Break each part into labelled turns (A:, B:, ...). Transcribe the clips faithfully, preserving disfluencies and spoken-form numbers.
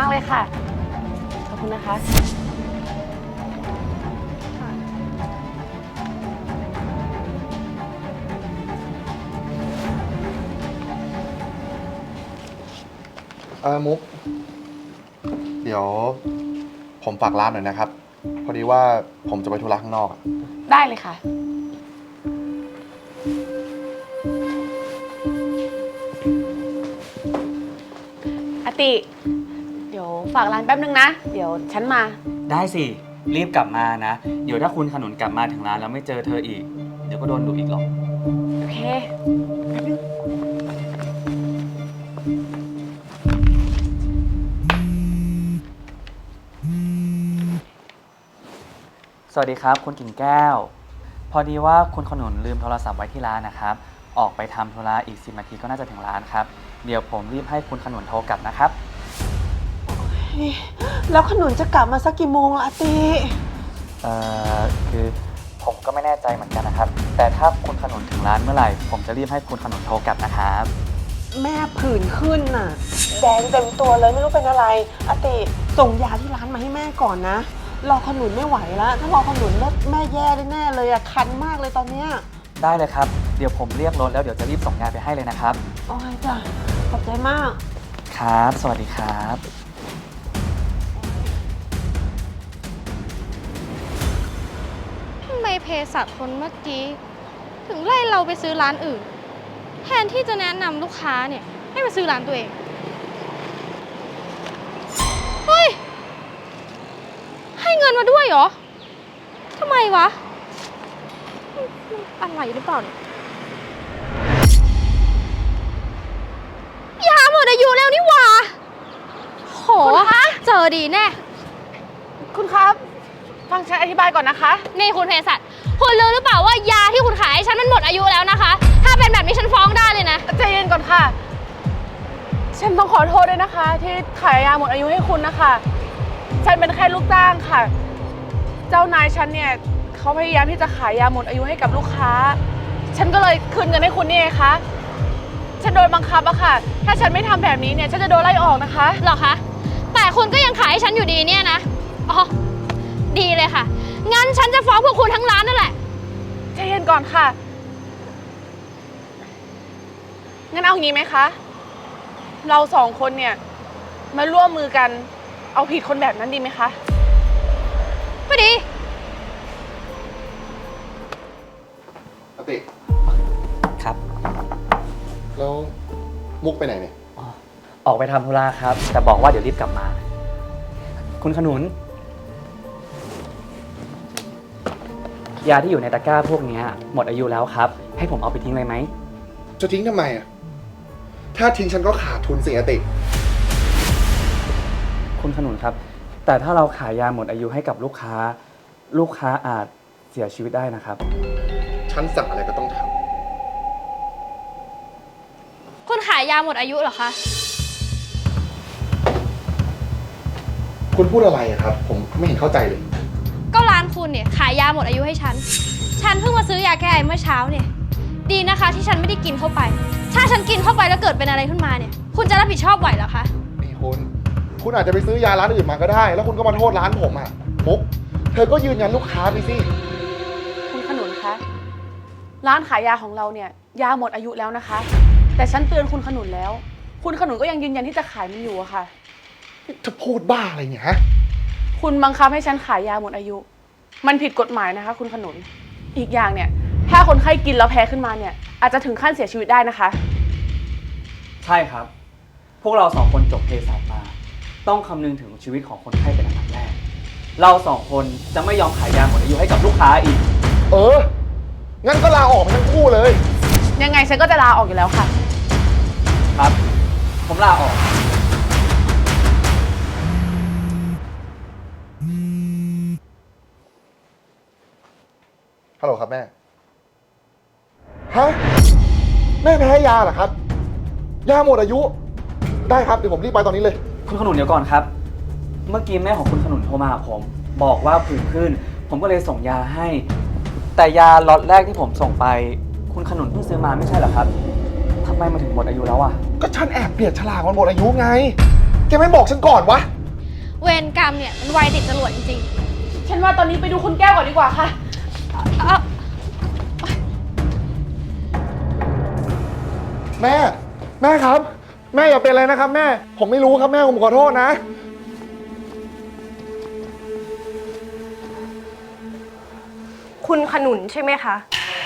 A: ากเลยค่ะขอบคุณนะคะ
B: เออมุกเดี๋ยวผมฝากร้านหน่อยนะครับพอดีว่าผมจะไปธุระข้างนอก
A: ได้เลยค่ะอติเดี๋ยวฝากร้านแป๊บนึงนะเดี๋ยวฉันมา
C: ได้สิรีบกลับมานะเดี๋ยวถ้าคุณขนุนกลับมาถึงร้านแล้วไม่เจอเธออีกเดี๋ยวก็โดนดุอีกหรอก
A: โอเคแป๊บนึง
C: สวัสดีครับคุณกิ่งแก้วพอดีว่าคุณขนุนลืมโทรศัพท์ไว้ที่ร้านนะครับออกไปทำธุระอีกสิบนาทีก็น่าจะถึงร้านครับเดี๋ยวผมรีบให้คุณขนุนโทรกลับนะครับ
D: แล้วขนุนจะกลับมาสักกี่โมงล่ะอาติ
C: เอ่อคือผมก็ไม่แน่ใจเหมือนกันนะครับแต่ถ้าคุณขนุนถึงร้านเมื่อไหร่ผมจะรีบให้คุณขนุนโทรกลับนะครับ
D: แม่ผื่นขึ้นน่ะแดงเต็มตัวเลยไม่รู้เป็นอะไรอาติส่งยาที่ร้านมาให้แม่ก่อนนะรอขนุนไม่ไหวแล้วถ้ารอขนุนแล้วแม่แย่แน่ๆเลยอะคันมากเลยตอนเนี้ย
C: ได้เลยครับเดี๋ยวผมเรียกรถแล้วเดี๋ยวจะรีบส่งยาไปให้เลยนะครับ
D: โอ้ยจ้ะขอบใจมาก
C: ครับสวัสดีครับ
E: ทำไมเภสัชคนเมื่อกี้ถึงไล่เราไปซื้อร้านอื่นแทนที่จะแนะนำลูกค้าเนี่ยให้มาซื้อร้านตัวเองเฮ้ยให้เงินมาด้วยเหรอทำไมวะอะไรหรือเปล่าเนี่ยยาหมดอายุแล้วนี่หว่าโหเจอดีแน่
A: คุณครับฟังฉันอธิบายก่อนนะคะ
E: นี่คุณเภสัชคุณรู้หรือเปล่าว่ายาที่คุณขายให้ฉันมันหมดอายุแล้วนะคะถ้าเป็นแบบนี้ฉันฟ้องได้เลยนะ
A: ใจเย็นก่อนค่ะฉันต้องขอโทษด้วยนะคะที่ขายยาหมดอายุให้คุณนะคะฉันเป็นแค่ลูกจ้างค่ะเจ้านายฉันเนี่ยเขาพยายามที่จะขายยาหมดอายุให้กับลูกค้าฉันก็เลยคืนเงินให้คุณนี่ไงคะฉันโดนบังคับอะค่ะถ้าฉันไม่ทำแบบนี้เนี่ยฉันจะโดนไล่ออกนะคะ
E: หรอคะแต่คุณก็ยังขายให้ฉันอยู่ดีเนี่ยนะอ๋อดีเลยค่ะงั้นฉันจะฟ้องพวกคุณทั้งร้านนั่นแหละ
A: ใจเย็นก่อนค่ะงั้นเอางี้ไหมคะเราสองคนเนี่ยมาร่วมมือกันเอาผิดคนแบบนั้นดีไหมคะ
E: พอดี
B: อติ
C: ครับ
B: แล้วมุกไปไหนเนี่ย
C: ออกไปทำธุระครับแต่บอกว่าเดี๋ยวรีบกลับมาคุณขนุนยาที่อยู่ในตะกร้าพวกนี้หมดอายุแล้วครับให้ผมเอาไปทิ้งเลยไหม
B: จะทิ้งทำไมอ่ะถ้าทิ้งฉันก็ขาดทุนสิอติ
C: คุณขนุนครับแต่ถ้าเราขายยาหมดอายุให้กับลูกค้าลูกค้าอาจเสียชีวิตได้นะครับ
B: ฉันสั่งอะไรก็ต้องท
E: ำคุณขายยาหมดอายุเหรอคะ
B: คุณพูดอะไรอะครับผมไม่เห็นเข้าใจเลย
E: ก็ร้านคุณเนี่ยขายยาหมดอายุให้ฉันฉันเพิ่งมาซื้อยาแก้ไอเมื่อเช้าเนี่ยดีนะคะที่ฉันไม่ได้กินเข้าไปถ้าฉันกินเข้าไปแล้วเกิดเป็นอะไรขึ้นมาเนี่ยคุณจะรับผิดชอบไหวเหรอคะ
B: นี่คุณคุณอาจจะไปซื้อยาร้านอื่นมาก็ได้แล้วคุณก็มาโทษร้านผมอะมุกเธอก็ยืนยันลูกค้าไปสิ
A: คุณขนุนคะร้านขายยาของเราเนี่ยยาหมดอายุแล้วนะคะแต่ฉันเตือนคุณขนุนแล้วคุณขนุนก็ยังยืนยันที่จะขายมันอยู่อะค่ะ
B: เธอพูดบ้าอะไรเนี่ยฮะ
A: คุณบังคับให้ฉันขายยาหมดอายุมันผิดกฎหมายนะคะคุณขนุนอีกอย่างเนี่ยถ้าคนไข้กินแล้วแพ้ขึ้นมาเนี่ยอาจจะถึงขั้นเสียชีวิตได้นะคะ
C: ใช่ครับพวกเราสองคนจบเภสัชมาต้องคำนึงถึงชีวิตของคนไข้เป็นอันดับแรกเราสองคนจะไม่ยอมขายยาหมดอายุให้กับลูกค้าอีก
B: เอองั้นก็ลาออกไปทั้งคู่เลย
A: ยังไงฉันก็จะลาออกอยู่แล้วค่ะ
C: ครับผมลาออก
B: ฮัลโหลครับแม่ฮะแม่แพ้ยาเหรอครับยาหมดอายุได้ครับเดี๋ยวผมรีบไปตอนนี้เลย
C: คุณขนุนเดี๋ยวก่อนครับเมื่อกี้แม่ของคุณขนุนโทรมาหาผมบอกว่าผื่นขึ้นผมก็เลยส่งยาให้แต่ยาล็อตแรกที่ผมส่งไปคุณขนุนเพิ่งซื้อมาไม่ใช่เหรอครับทำไมมาถึงหมดอายุแล้วอ่ะ
B: ก็ฉันแอบเปลี่ยนฉลากมันหมดอายุไงแกไม่บอกฉันก่อนวะ
E: เวรกรรมเนี่ยมันไวติดจรวดจริง
A: ฉันว่าตอนนี้ไปดูคุณแก้วก่อนดีกว่าค่ะ
E: ๆ เอ้า
B: แม่ แม่ครับ แม่อย่าเป็นอะไรนะครับแม่ ผมไม่รู้ครับแม่ผมขอโทษนะ
F: คุณขนุนใช่ไหมคะ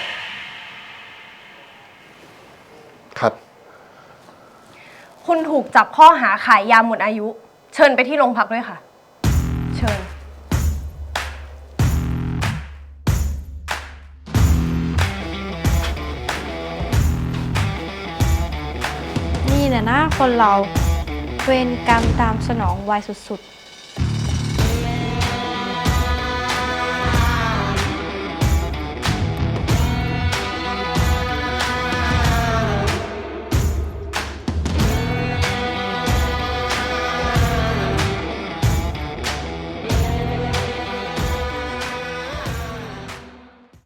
B: ครับ
F: คุณถูกจับข้อหาขายยาหมดอายุ เชิญไปที่โรงพักด้วยค่ะ เชิญ
E: นี่แหละนะคนเราเวรกรรมตามสนองไวสุดๆ